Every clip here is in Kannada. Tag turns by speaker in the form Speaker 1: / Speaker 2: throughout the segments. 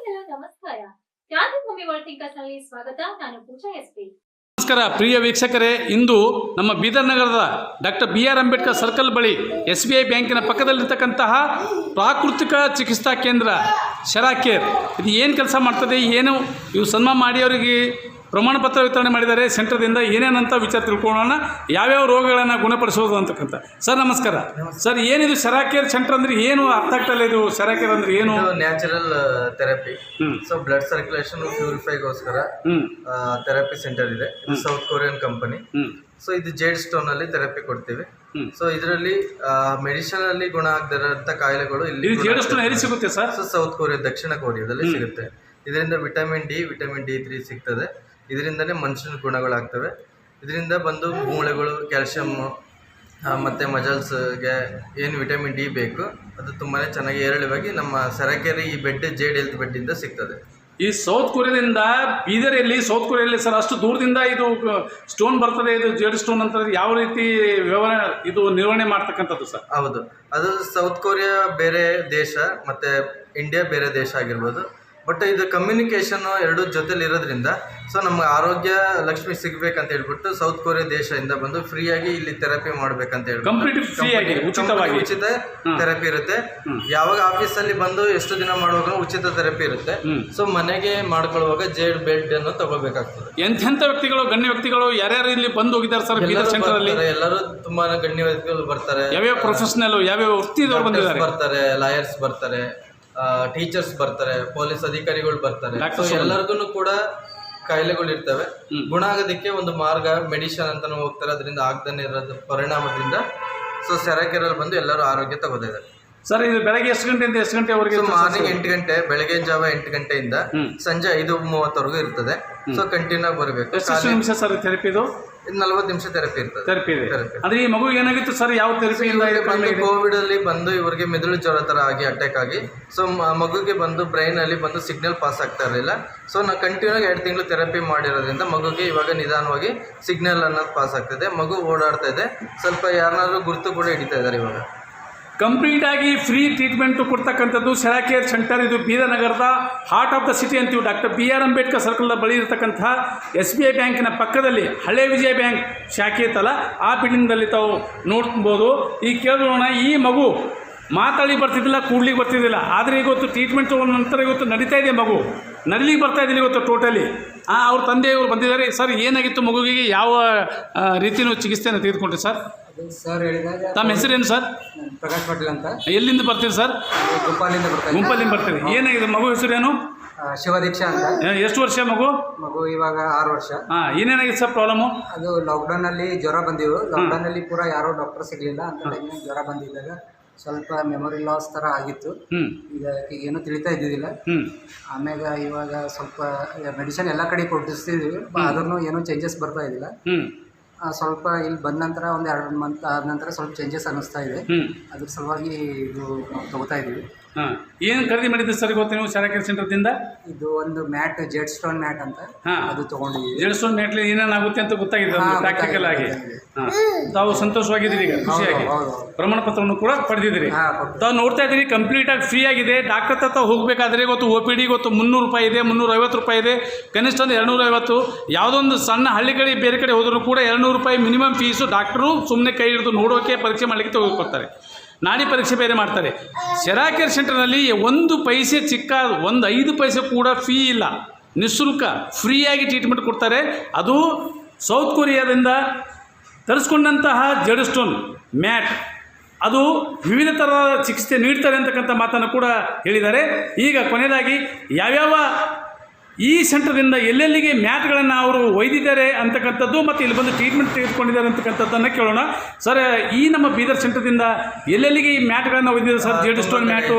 Speaker 1: ವೀಕ್ಷಕರ ನಮಸ್ಕಾರ. ಕ್ರಾಂತಿಭೂಮಿ ವರ್ಲ್ಡ್ ಥಿಂಕರ್ಸ್ನಲ್ಲಿ ಸ್ವಾಗತ. ನಾನು ಪೂಜಾ ಎಸ್ಪಿ.
Speaker 2: ನಮಸ್ಕಾರ ಪ್ರಿಯ ವೀಕ್ಷಕರೇ, ಇಂದು ನಮ್ಮ ಬೀದರ್ ನಗರದ ಡಾಕ್ಟರ್ BR ಅಂಬೇಡ್ಕರ್ ಸರ್ಕಲ್ ಬಳಿ SBI ಬ್ಯಾಂಕಿನ ಪಕ್ಕದಲ್ಲಿರ್ತಕ್ಕಂತಹ ಪ್ರಾಕೃತಿಕ ಚಿಕಿತ್ಸಾ ಕೇಂದ್ರ ಶರಾಕೇರ್ ಇದು ಏನು ಕೆಲಸ ಮಾಡ್ತದೆ, ಏನು ಇವು ಸನ್ಮಾನ ಮಾಡಿ ಅವರಿಗೆ ಪ್ರಮಾಣ ಪತ್ರ ವಿತರಣೆ ಮಾಡಿದ್ದಾರೆ ಸೆಂಟರ್ದಿಂದ, ಏನೇನಂತ ವಿಚಾರ ತಿಳ್ಕೊಳ್ಳೋಣ, ಯಾವ್ಯಾವ ರೋಗಗಳನ್ನು ಗುಣಪಡಿಸೋದು ಅಂತಕ್ಕಂಥ. ಸರ್ ನಮಸ್ಕಾರ. ಸರ್ ಏನಿದು ಶರಾಕೇರ್ ಸೆಂಟರ್ ಅಂದ್ರೆ ಏನು ಅರ್ಥ ಆಗ್ತಲ್ಲ, ಇದು ಶರಾಕೇರ್ ಅಂದ್ರೆ ಏನು?
Speaker 3: Natural therapy, so blood circulation ಪ್ಯೂರಿಫೈಗೋಸ್ಕರ ಥೆರಪಿ ಸೆಂಟರ್ ಇದೆ. ಇದು ಸೌತ್ ಕೊರಿಯನ್ ಕಂಪನಿ. ಸೊ ಇದು ಜೇಡ್ ಸ್ಟೋನ್ ಅಲ್ಲಿ ಥೆರಪಿ ಕೊಡ್ತೀವಿ. ಸೊ ಇದರಲ್ಲಿ ಮೆಡಿಸಿನ್ ಅಲ್ಲಿ ಗುಣ ಆಗದಿರೋಂಥ ಕಾಯಿಲೆಗಳು ಇಲ್ಲಿ
Speaker 2: ಜೇಡ್ ಸ್ಟೋನ್ ಎಲ್ಲಿ ಸಿಗುತ್ತೆ ಸರ್?
Speaker 3: ಸೊ ಸೌತ್ ಕೊರಿಯಾ, ದಕ್ಷಿಣ ಕೊರಿಯಾದಲ್ಲಿ ಸಿಗುತ್ತೆ. ಇದರಿಂದ ವಿಟಮಿನ್ D3 ಸಿಗ್ತದೆ. ಇದರಿಂದನೇ ಮನುಷ್ಯನ ಗುಣಗಳಾಗ್ತವೆ. ಇದರಿಂದ ಬಂದು ಮೂಳೆಗಳು, ಕ್ಯಾಲ್ಶಿಯಮ್ ಮತ್ತು ಮಜಲ್ಸ್ಗೆ ಏನು ವಿಟಮಿನ್ D ಬೇಕು ಅದು ತುಂಬಾ ಚೆನ್ನಾಗಿ ಏರಳವಾಗಿ ನಮ್ಮ ಶರಾಕೇರಿ ಈ ಬೆಡ್ ಜೇಡ್ ಹೆಲ್ತ್ ಬೆಡ್ಡಿಂದ ಸಿಗ್ತದೆ.
Speaker 2: ಈ ಸೌತ್ ಕೊರಿಯಾದಿಂದ ಬೀದರಲ್ಲಿ, ಸೌತ್ ಕೊರಿಯಲ್ಲಿ ಸರ್ ಅಷ್ಟು ದೂರದಿಂದ ಇದು ಸ್ಟೋನ್ ಬರ್ತದೆ, ಇದು ಜೇಡ್ ಸ್ಟೋನ್ ಅಂತ ಯಾವ ರೀತಿ ವ್ಯವಹಾರ ಇದು ನಿರ್ವಹಣೆ ಮಾಡ್ತಕ್ಕಂಥದ್ದು ಸರ್?
Speaker 3: ಹೌದು, ಅದು ಸೌತ್ ಕೊರಿಯಾ ಬೇರೆ ದೇಶ ಮತ್ತು ಇಂಡಿಯಾ ಬೇರೆ ದೇಶ ಆಗಿರ್ಬೋದು. ಬಟ್ ಇದು ಕಮ್ಯುನಿಕೇಷನ್ ಎರಡು ಜೊತೆಲಿ ಇರೋದ್ರಿಂದ ಸೊ ನಮ್ಗೆ ಆರೋಗ್ಯ ಲಕ್ಷ್ಮಿ ಸಿಗ್ಬೇಕಂತ ಹೇಳ್ಬಿಟ್ಟು ಸೌತ್ ಕೊರಿಯಾ ದೇಶದಿಂದ ಬಂದು ಫ್ರೀಯಾಗಿ ಇಲ್ಲಿ ಥೆರಪಿ ಮಾಡ್ಬೇಕಂತ ಹೇಳ್ಬಿಟ್ಟು ಉಚಿತ ಥೆರಪಿ ಇರುತ್ತೆ. ಯಾವಾಗ ಆಫೀಸಲ್ಲಿ ಬಂದು ಎಷ್ಟು ದಿನ ಮಾಡುವಾಗ ಉಚಿತ ಥೆರಪಿ ಇರುತ್ತೆ. ಸೊ ಮನೆಗೆ ಮಾಡ್ಕೊಳ್ಳುವಾಗ ಜೇಡ್ ಬೆಡ್ ಅನ್ನು ತಗೋಬೇಕಾಗ್ತದೆ.
Speaker 2: ಎಂತೆಂಥ ವ್ಯಕ್ತಿಗಳು, ಗಣ್ಯ ವ್ಯಕ್ತಿಗಳು ಯಾರ್ಯಾರು ಇಲ್ಲಿ ಬಂದು ಹೋಗಿದ್ದಾರೆ ಸರ್ ಬೀದರ್ ಸೆಂಟರ್ ಅಲ್ಲಿ?
Speaker 3: ಎಲ್ಲರೂ ತುಂಬಾ ಗಣ್ಯ ವ್ಯಕ್ತಿಗಳು ಬರ್ತಾರೆ.
Speaker 2: ಯಾವ್ಯಾವ ಪ್ರೊಫೆಷನಲ್, ಯಾವ್ಯಾವ ವೃತ್ತಿದವರು ಬಂದಿದ್ದಾರೆ?
Speaker 3: ಬರ್ತಾರೆ, ಲಾಯರ್ಸ್ ಬರ್ತಾರೆ, ಟೀಚರ್ಸ್ ಬರ್ತಾರೆ, ಪೊಲೀಸ್ ಅಧಿಕಾರಿಗಳು ಬರ್ತಾರೆ. ಎಲ್ಲರಿಗೂ ಕೂಡ ಕಾಯಿಲೆಗಳು ಇರ್ತವೆ. ಗುಣ ಆಗೋದಕ್ಕೆ ಒಂದು ಮಾರ್ಗ ಮೆಡಿಸಿನ್ ಅಂತಾನು ಹೋಗ್ತಾರೆ. ಅದರಿಂದ ಆಗದೇ ಇರೋದ್ರ ಪರಿಣಾಮದಿಂದ ಸೊ ಶರಾಕೇರಲ್ಲಿ ಬಂದು ಎಲ್ಲರೂ ಆರೋಗ್ಯ ತಗೋದಿದ್ದಾರೆ.
Speaker 2: ಸರ್ ಇದು ಬೆಳಗ್ಗೆ ಎಷ್ಟು ಗಂಟೆಯಿಂದ ಎಷ್ಟು ಗಂಟೆವರೆಗೆ?
Speaker 3: ಮಾರ್ನಿಂಗ್ 8 ಗಂಟೆ, ಬೆಳಗ್ಗೆ ಜಾವ 8 ಗಂಟೆಯಿಂದ ಸಂಜೆ 5:30ವರೆಗೂ ಇರ್ತದೆ. ಸೊ ಕಂಟಿನ್ಯೂ ಆಗಿ ಬರಬೇಕು.
Speaker 2: ಎಷ್ಟು ನಿಮಿಷ ಸರ್ ಥೆರಪಿ? ಇದು
Speaker 3: 40 ನಿಮಿಷ ಥೆರಪಿ ಇರ್ತದೆ.
Speaker 2: ಥೆರಪಿ ಇದೆ. ಅಂದ್ರೆ ಈ ಮಗು ಏನಾಗಿತ್ತು ಸರ್? ಯಾವ ಥೆರಪಿ?
Speaker 3: ಕೋವಿಡ್ ಅಲ್ಲಿ ಬಂದು ಇವರಿಗೆ ಮೆದುಳು ಜ್ವರ ತರ ಆಗಿ ಅಟ್ಯಾಕ್ ಆಗಿ ಸೊ ಮಗುಗೆ ಬಂದು ಬ್ರೈನ್ ಅಲ್ಲಿ ಬಂದು ಸಿಗ್ನಲ್ ಪಾಸ್ ಆಗ್ತಾ ಇರಲಿಲ್ಲ. ಸೊ ನಾವು ಕಂಟಿನ್ಯೂ 2 ತಿಂಗಳು ಥೆರಪಿ ಮಾಡಿರೋದ್ರಿಂದ ಮಗುಗೆ ಇವಾಗ ನಿಧಾನವಾಗಿ ಸಿಗ್ನಲ್ ಅನ್ನೋದು ಪಾಸ್ ಆಗ್ತಿದೆ. ಮಗು ಓಡಾಡ್ತಾ ಇದೆ. ಸ್ವಲ್ಪ ಯಾರನ್ನಾದ್ರೂ ಗುರುತು ಕೂಡ ಹಿಡಿತಾ ಇದ್ದಾರೆ. ಇವಾಗ
Speaker 2: ಕಂಪ್ಲೀಟ್ ಆಗಿ ಫ್ರೀ ಟ್ರೀಟ್ಮೆಂಟು ಕೊಡ್ತಕ್ಕಂಥದ್ದು ಶರಾಕೇರ್ ಸೆಂಟರ್. ಇದು ಬೀದರ್ ನಗರದ ಹಾರ್ಟ್ ಆಫ್ ದ ಸಿಟಿ ಅಂತೀವಿ. ಡಾಕ್ಟರ್ BR ಅಂಬೇಡ್ಕರ್ ಸರ್ಕಲ್ನ ಬಳಿ ಇರತಕ್ಕಂಥ SBI ಬ್ಯಾಂಕಿನ ಪಕ್ಕದಲ್ಲಿ ಹಳೆ ವಿಜಯ ಬ್ಯಾಂಕ್ ಶಾಖೆ ಇತ್ತಲ್ಲ, ಆ ಬಿಲ್ಡಿಂಗ್ನಲ್ಲಿ ತಾವು ನೋಡ್ಬೋದು. ಈಗ ಕೇಳೋಣ, ಈ ಮಗು ಮಾತಾಡಿ ಬರ್ತಿದ್ದಿಲ್ಲ, ಕೂಡ್ಲಿಕ್ಕೆ ಬರ್ತಿದ್ದಿಲ್ಲ, ಆದರೆ ಇವತ್ತು ಟ್ರೀಟ್ಮೆಂಟ್ ತೊಗೊಂಡ ನಂತರ ಇವತ್ತು ನಡೀತಾ ಇದೆ. ಮಗು ನಡಿಲಿಕ್ಕೆ ಬರ್ತಾ ಇದ್ದೀನಿ ಇವತ್ತು ಟೋಟಲಿ. ಅವ್ರ ತಂದೆಯವರು ಬಂದಿದ್ದಾರೆ. ಸರ್ ಏನಾಗಿತ್ತು ಮಗುವಿಗೆ? ಯಾವ ರೀತಿಯೂ ಚಿಕಿತ್ಸೆಯನ್ನು ತೆಗೆದುಕೊಂಡ್ರಿ ಸರ್?
Speaker 4: ಸರ್ ಹೇಳಿದಾಗ
Speaker 2: ತಮ್ಮ ಹೆಸರೇನು ಸರ್?
Speaker 4: ಪ್ರಕಾಶ್ ಪಾಟೀಲ್ ಅಂತ.
Speaker 2: ಎಲ್ಲಿಂದ ಬರ್ತೀರಿ ಸರ್? ಗುಂಪಲ್ಲಿಂದ ಬರ್ತೀರಿ. ಏನಾಗಿದೆ ಮಗು ಹೆಸರೇನು?
Speaker 4: ಶಿವದೀಕ್ಷಾ ಅಂತ.
Speaker 2: ಎಷ್ಟು ವರ್ಷ ಮಗು?
Speaker 4: ಇವಾಗ 6 ವರ್ಷ.
Speaker 2: ಏನೇನಾಗಿದೆ ಸರ್ ಪ್ರಾಬ್ಲಮು?
Speaker 4: ಅದು ಲಾಕ್ಡೌನ್ ಅಲ್ಲಿ ಜ್ವರ ಬಂದಿವು. ಲಾಕ್ಡೌನ್ ಅಲ್ಲಿ ಪೂರಾ ಯಾರೋ ಡಾಕ್ಟರ್ ಸಿಗ್ಲಿಲ್ಲ ಅಂತ ಟೈಮ್ನಾಗ ಜ್ವರ ಬಂದಿದ್ದಾಗ ಸ್ವಲ್ಪ ಮೆಮೊರಿ ಲಾಸ್ ತರ ಆಗಿತ್ತು. ಇದಕ್ಕೆ ಏನು ತಿಳಿತಾ ಇದ್ದಿದ್ದಿಲ್ಲ. ಆಮ್ಯಾಗ ಇವಾಗ ಸ್ವಲ್ಪ ಮೆಡಿಸಿನ್ ಎಲ್ಲ ಕಡೆ ಕೊಡಿಸ್ತಿದ್ವಿ, ಆದ್ರೂ ಏನೂ ಚೇಂಜಸ್ ಬರ್ತಾ ಇದ್ದಿಲ್ಲ. ಸ್ವಲ್ಪ ಇಲ್ಲಿ ಬಂದ ನಂತರ ಒಂದು 2 ಮಂತ್ ಆದ ನಂತರ ಸ್ವಲ್ಪ ಚೇಂಜಸ್ ಅನ್ನಿಸ್ತಾ ಇದೆ. ಅದ್ರ ಸಲುವಾಗಿ ಇದು ತಗೋತಾ ಇದ್ದೀವಿ.
Speaker 2: ಏನು ಖರೀದಿ ಮಾಡಿದ್ದೆ ಸರ್ ಇವತ್ತು ನೀವು ಶರಾಕೇರ್ ಸೆಂಟರ್ದಿಂದ?
Speaker 4: ಇದು ಒಂದು ಮ್ಯಾಟ್, ಜೆಡ್ ಸ್ಟೋನ್ ಮ್ಯಾಟ್ ಅಂತ, ಅದು ತಗೊಂಡಿದ್ದೀವಿ.
Speaker 2: ಜೆಡ್ ಸ್ಟೋನ್ ಮ್ಯಾಟ್ಲಿ ಏನೇನಾಗುತ್ತೆ ಅಂತ ಗೊತ್ತಾಗಿದೆ ಪ್ರಾಕ್ಟಿಕಲ್ ಆಗಿ. ತಾವು ಸಂತೋಷವಾಗಿದ್ದೀರಿ, ಈಗ ಖುಷಿಯಾಗಿ ಪ್ರಮಾಣ ಪತ್ರವನ್ನು ಕೂಡ ಪಡೆದಿದ್ದೀರಿ. ತಾವು ನೋಡ್ತಾ ಇದ್ದೀರಿ, ಕಂಪ್ಲೀಟ್ ಆಗಿ ಫ್ರೀ ಆಗಿದೆ. ಡಾಕ್ಟರ್ ಹತ್ರ ಹೋಗಬೇಕಾದ್ರೆ ಇವತ್ತು OPD ಇವತ್ತು 300 ರೂಪಾಯಿ ಇದೆ, 350 ರೂಪಾಯಿ ಇದೆ, ಕನಿಷ್ಠ ಒಂದು 250. ಯಾವುದೊಂದು ಸಣ್ಣ ಹಳ್ಳಿಗಳಿಗೆ ಬೇರೆ ಕಡೆ ಹೋದರೂ ಕೂಡ 200 ರೂಪಾಯಿ ಮಿನಿಮಮ್ ಫೀಸು. ಡಾಕ್ಟರು ಸುಮ್ಮನೆ ಕೈ ಹಿಡಿದು ನೋಡೋಕೆ, ಪರೀಕ್ಷೆ ಮಾಡಲಿಕ್ಕೆ ತೆಗೆದುಕೊಡ್ತಾರೆ. ನಾಡಿ ಪರೀಕ್ಷೆ ಬೇರೆ ಮಾಡ್ತಾರೆ. ಶರಾಕೇರ್ ಸೆಂಟರ್ನಲ್ಲಿ 1 ಪೈಸೆ ಚಿಕ್ಕ, 5 ಪೈಸೆ ಕೂಡ ಫೀ ಇಲ್ಲ, ನಿಶುಲ್ಕ ಫ್ರೀಯಾಗಿ ಟ್ರೀಟ್ಮೆಂಟ್ ಕೊಡ್ತಾರೆ. ಅದು ಸೌತ್ ಕೊರಿಯಾದಿಂದ ತರಿಸ್ಕೊಂಡಂತಹ ಜೆಡ್ ಸ್ಟೋನ್ ಮ್ಯಾಟ್, ಅದು ವಿವಿಧ ಥರದ ಚಿಕಿತ್ಸೆ ನೀಡ್ತಾರೆ ಅಂತಕ್ಕಂಥ ಮಾತನ್ನು ಕೂಡ ಹೇಳಿದ್ದಾರೆ. ಈಗ ಕೊನೆಯದಾಗಿ ಯಾವ್ಯಾವ ಈ ಸೆಂಟರ್ದಿಂದ ಎಲ್ಲೆಲ್ಲಿಗೆ ಮ್ಯಾಟ್ಗಳನ್ನು ಅವರು ಒಯ್ದಿದ್ದಾರೆ ಅಂತಕ್ಕಂಥದ್ದು ಮತ್ತು ಇಲ್ಲಿ ಬಂದು ಟ್ರೀಟ್ಮೆಂಟ್ ತೆಗೆದುಕೊಂಡಿದ್ದಾರೆ ಅಂತಕ್ಕಂಥದ್ದನ್ನು ಕೇಳೋಣ. ಸರ್, ಈ ನಮ್ಮ ಬೀದರ್ ಸೆಂಟರ್ದಿಂದ ಎಲ್ಲೆಲ್ಲಿಗೆ ಈ ಮ್ಯಾಟ್ಗಳನ್ನು ಒಯ್ದಿದ್ದಾರೆ sir? Jade stone mat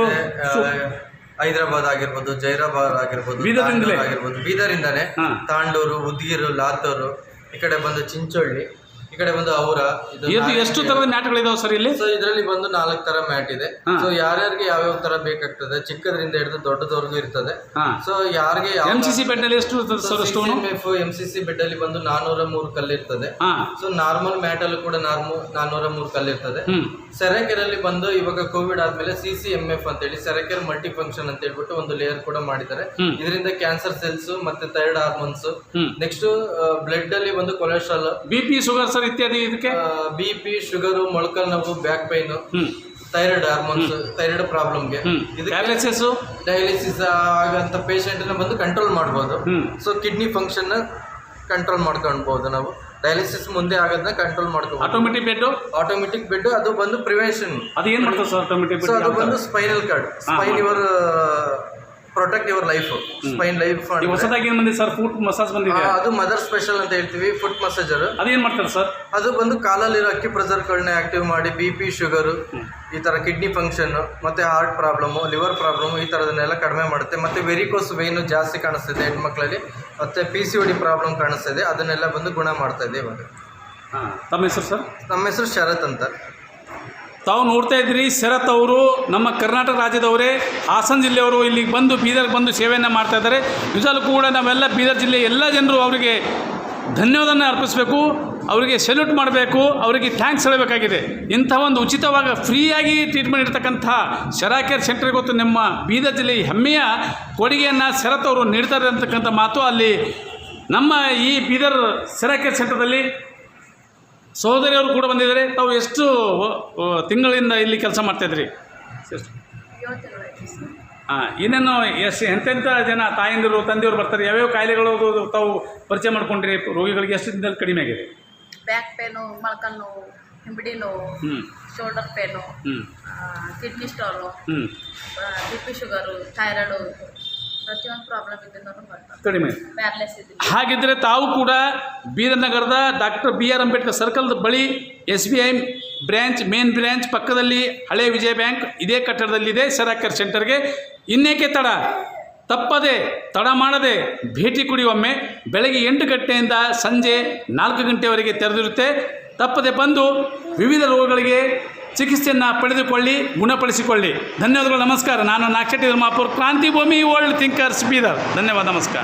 Speaker 3: Hyderabad ಆಗಿರ್ಬೋದು, ಜೈರಾಬಾದ್ ಆಗಿರ್ಬೋದು,
Speaker 2: ಬೀದರಿಂದಲೇ
Speaker 3: ಬೀದರಿಂದಾನೆ ತಾಂಡೂರು, ಉದ್ಗಿರು, ಲಾತೂರು, ಈ ಕಡೆ ಬಂದು ಚಿಂಚೋಳ್ಳಿ, ಈ ಕಡೆ ಬಂದು ಅವರ
Speaker 2: ಇದು ಎಷ್ಟು ತರದ ಮ್ಯಾಟ್ಗಳಿದಾವೆ ಸರ್ ಇಲ್ಲಿ?
Speaker 3: ಸೊ ಇದರಲ್ಲಿ ಬಂದು 4 ತರ ಮ್ಯಾಟ್ ಇದೆ. ಸೊ ಯಾರ್ಯಾರಿಗೆ ಯಾವ್ಯಾವ ತರ ಬೇಕಾಗ್ತದೆ, ಚಿಕ್ಕದ್ರಿಂದ ಹಿಡಿದು ದೊಡ್ಡದವರೆಗೂ ಇರ್ತದೆ. ಸೊ ಯಾರಿಗೆ
Speaker 2: MCC ಬೆಡ್ ನಲ್ಲಿ ಎಷ್ಟು ಇರ್ತದೆ ಸರ್ ಸ್ಟೋನ್?
Speaker 3: MCC ಬೆಡ್ ಅಲ್ಲಿ ಬಂದು 403 ಕಲ್ಲು ಇರ್ತದೆ. ಸೊ ನಾರ್ಮಲ್ ಮ್ಯಾಟ್ ಅಲ್ಲೂ ಕೂಡ 403 ಕಲ್ಲು ಇರ್ತದೆ. ಸೆರೆಕೆರಲ್ಲಿ ಬಂದು ಇವಾಗ ಕೋವಿಡ್ ಆದ್ಮೇಲೆ CCMF ಅಂತ ಹೇಳಿ ಸೆರೆಕೆರ್ ಮಲ್ಟಿ ಫಂಕ್ಷನ್ ಅಂತ ಹೇಳ್ಬಿಟ್ಟು ಒಂದು ಲೇಯರ್ ಕೂಡ ಮಾಡಿದ್ದಾರೆ. ಇದರಿಂದ ಕ್ಯಾನ್ಸರ್ ಸೆಲ್ಸ್ ಮತ್ತೆ ಥೈರಾಯ್ಡ್ ಹಾರ್ಮೋನ್ಸ್, ನೆಕ್ಸ್ಟ್ ಬ್ಲಡ್ ಅಲ್ಲಿ ಒಂದು ಕೊಲೆಸ್ಟ್ರಾಲ್,
Speaker 2: BP, ಶುಗರ್ ಸರ್ ಇತ್ಯಾದಿ. ಇದಕ್ಕೆ
Speaker 3: BP, ಶುಗರ್, ಮೊಳಕಲ್ ನೋವು, back pain, thyroid hormones, thyroid ಪ್ರಾಬ್ಲಮ್ಗೆ ಡಯಾಲಿಸಿಸ್ ಆಗಂತ ಪೇಷಂಟ್ ಬಂದು ಕಂಟ್ರೋಲ್ ಮಾಡಬಹುದು. ಸೊ ಕಿಡ್ನಿ ಫಂಕ್ಷನ್ ಕಂಟ್ರೋಲ್ ಮಾಡ್ಕೊಳ್ಬಹುದು. ನಾವು ಡಯಾಲಿಸಿಸ್ ಮುಂದೆ ಆಗೋದನ್ನ ಕಂಟ್ರೋಲ್ ಮಾಡ್ಕೋಬಹುದು. ಆಟೋಮೆಟಿಕ್ ಬೆಡ್ ಅದು ಬಂದು ಪ್ರಿವೆನ್ಷನ್.
Speaker 2: ಅದು ಏನ್ ಮಾಡ್ತದೆ ಸರ್ ಆಟೋಮೆಟಿಕ್ ಬೆಡ್?
Speaker 3: ಅದು ಬಂದು spinal cord, spine your protect your life, spine life.
Speaker 2: ಹೊಸದಾಗಿ ಏನು ಬಂದಿದೆ ಸರ್? ಫುಟ್ ಮಸಾಜ್ ಬಂದಿದೆ.
Speaker 3: ಅದು ಮದರ್ ಸ್ಪೆಷಲ್ ಅಂತ ಹೇಳ್ತೀವಿ, ಫುಟ್ ಮಸಾಜರ್.
Speaker 2: ಅದೇನ್ ಮಾಡ್ತಾರೆ ಸರ್?
Speaker 3: ಅದು ಬಂದು ಕಾಲಲ್ಲಿರೋ ಅಕ್ಕಿ ಪ್ರೆಸರ್ಗಳನ್ನ ಆಕ್ಟಿವ್ ಮಾಡಿ BP, ಶುಗರ್, ಈ ತರ ಕಿಡ್ನಿ ಫಂಕ್ಷನ್ ಮತ್ತೆ ಹಾರ್ಟ್ ಪ್ರಾಬ್ಲಮ್, ಲಿವರ್ ಪ್ರಾಬ್ಲಮ್ ಈ ತರದನ್ನೆಲ್ಲ ಕಡಿಮೆ ಮಾಡುತ್ತೆ. ಮತ್ತೆ ವೆರಿಕೋಸ್ ವೇನು ಜಾಸ್ತಿ ಕಾಣಿಸ್ತಿದೆ ಹೆಣ್ಮಕ್ಳಲ್ಲಿ, ಮತ್ತೆ PCOD ಪ್ರಾಬ್ಲಮ್ ಕಾಣಿಸ್ತಿದೆ, ಅದನ್ನೆಲ್ಲ ಬಂದು ಗುಣ ಮಾಡ್ತಾ ಇದೆ ಇವಾಗ.
Speaker 2: ತಮ್ಮ ಹೆಸರು ಸರ್?
Speaker 3: ನಮ್ಮ ಹೆಸರು ಶರತ್ ಅಂತ.
Speaker 2: ತಾವು ನೋಡ್ತಾ ಇದ್ದೀರಿ, ಶರತ್ ಅವರು ನಮ್ಮ ಕರ್ನಾಟಕ ರಾಜ್ಯದವರೇ, ಹಾಸನ ಜಿಲ್ಲೆಯವರು ಇಲ್ಲಿಗೆ ಬಂದು ಬೀದರ್ಗೆ ಬಂದು ಸೇವೆಯನ್ನು ಮಾಡ್ತಾ ಇದ್ದಾರೆ. ನಿಜಾಲು ಕೂಡ ನಾವೆಲ್ಲ ಬೀದರ್ ಜಿಲ್ಲೆಯ ಎಲ್ಲ ಜನರು ಅವರಿಗೆ ಧನ್ಯವಾದನ ಅರ್ಪಿಸಬೇಕು, ಅವರಿಗೆ ಸೆಲ್ಯೂಟ್ ಮಾಡಬೇಕು, ಅವರಿಗೆ ಥ್ಯಾಂಕ್ಸ್ ಹೇಳಬೇಕಾಗಿದೆ. ಇಂಥ ಒಂದು ಉಚಿತವಾಗಿ ಫ್ರೀಯಾಗಿ ಟ್ರೀಟ್ಮೆಂಟ್ ಇರ್ತಕ್ಕಂಥ ಶರಾಕೇರ್ ಸೆಂಟರ್ ಗೊತ್ತು ನಮ್ಮ ಬೀದರ್ ಜಿಲ್ಲೆಯ ಹೆಮ್ಮೆಯ ಕೊಡುಗೆಯನ್ನು ಶರತ್ ಅವರು ನೀಡ್ತಾರೆ ಅಂತಕ್ಕಂಥ ಮಾತು ಅಲ್ಲಿ ನಮ್ಮ ಈ ಬೀದರ್ ಶರಾಕೇರ್ ಸೆಂಟರ್ದಲ್ಲಿ ಸಹೋದರಿಯವರು ಕೂಡ ಬಂದಿದ್ದಾರೆ. ತಾವು ಎಷ್ಟು ತಿಂಗಳಿಂದ ಇಲ್ಲಿ ಕೆಲಸ ಮಾಡ್ತಾಯಿದ್ರಿ? ಇನ್ನೇನು ಎಂತೆಂಥ ಜನ ತಾಯಂದಿರು ತಂದೆಯವರು ಬರ್ತಾರೆ? ಯಾವ್ಯಾವ ಕಾಯಿಲೆಗಳು ತಾವು ಪರಿಚಯ ಮಾಡ್ಕೊಂಡ್ರಿ ರೋಗಿಗಳಿಗೆ? ಎಷ್ಟು ದಿನದಲ್ಲಿ ಕಡಿಮೆ ಆಗಿದೆ?
Speaker 5: ಬ್ಯಾಕ್ ಪೇನು, ಮೊಳಕಾಲು ನೋವು, ಹಿಂಬಡಿ ನೋವು, shoulder pain, kidney stone, BP, sugar, thyroid, ಪ್ರತಿಯೊಂದು ಪ್ರಾಬ್ಲಮ್ ಇದನ್ನು ಬರ್ತಾರೆ, ಕಡಿಮೆ ಪ್ಯಾರಲೈಸ್ ಇದೆ.
Speaker 2: ಹಾಗಿದ್ದರೆ ತಾವು ಕೂಡ ಬೀದರ್ ನಗರದ ಡಾಕ್ಟರ್ BR ಅಂಬೇಡ್ಕರ್ ಸರ್ಕಲ್ ಬಳಿ SBI ಬ್ರ್ಯಾಂಚ್, ಮೇನ್ ಬ್ರ್ಯಾಂಚ್ ಪಕ್ಕದಲ್ಲಿ ಹಳೆ ವಿಜಯ ಬ್ಯಾಂಕ್ ಇದೇ ಕಟ್ಟಡದಲ್ಲಿದೆ ಶರಾಕೇರ್ ಸೆಂಟರ್ಗೆ. ಇನ್ನೇಕೆ ತಪ್ಪದೆ ತಡ ಮಾಡದೆ ಭೇಟಿ ಕೊಡಿ. ಒಮ್ಮೆ ಬೆಳಗ್ಗೆ 8 ಗಂಟೆಯಿಂದ ಸಂಜೆ 4 ಗಂಟೆವರೆಗೆ ತೆರೆದಿರುತ್ತೆ. ತಪ್ಪದೆ ಬಂದು ವಿವಿಧ ರೋಗಗಳಿಗೆ ಚಿಕಿತ್ಸೆಯನ್ನು ಪಡೆದುಕೊಳ್ಳಿ, ಗುಣಪಡಿಸಿಕೊಳ್ಳಿ. ಧನ್ಯವಾದಗಳು, ನಮಸ್ಕಾರ. ನಾನು ನಾಕ್ಷಟಿ ಧರ್ಮಾಪುರ್, ಕ್ರಾಂತಿ ಭೂಮಿ, ವರ್ಲ್ಡ್ ಥಿಂಕರ್ಸ್, ಬೀದರ್. ಧನ್ಯವಾದ, ನಮಸ್ಕಾರ.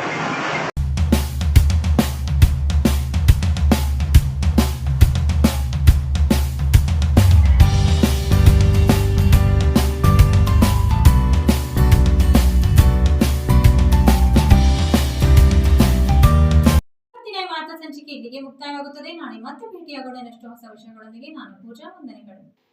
Speaker 1: ವಾರ್ತಾ ಸಂಚಿಕೆ ಇಲ್ಲಿಗೆ ಮುಕ್ತಾಯವಾಗುತ್ತದೆ. ನಾಳೆ ಮತ್ತೆ ಭೇಟಿಯಾಗೋಣ ಇನ್ನಷ್ಟು ಹೊಸ ವಿಷಯಗಳೊಂದಿಗೆ. ನಾನು ಪೂಜಾ, ವಂದನೆಗಳು.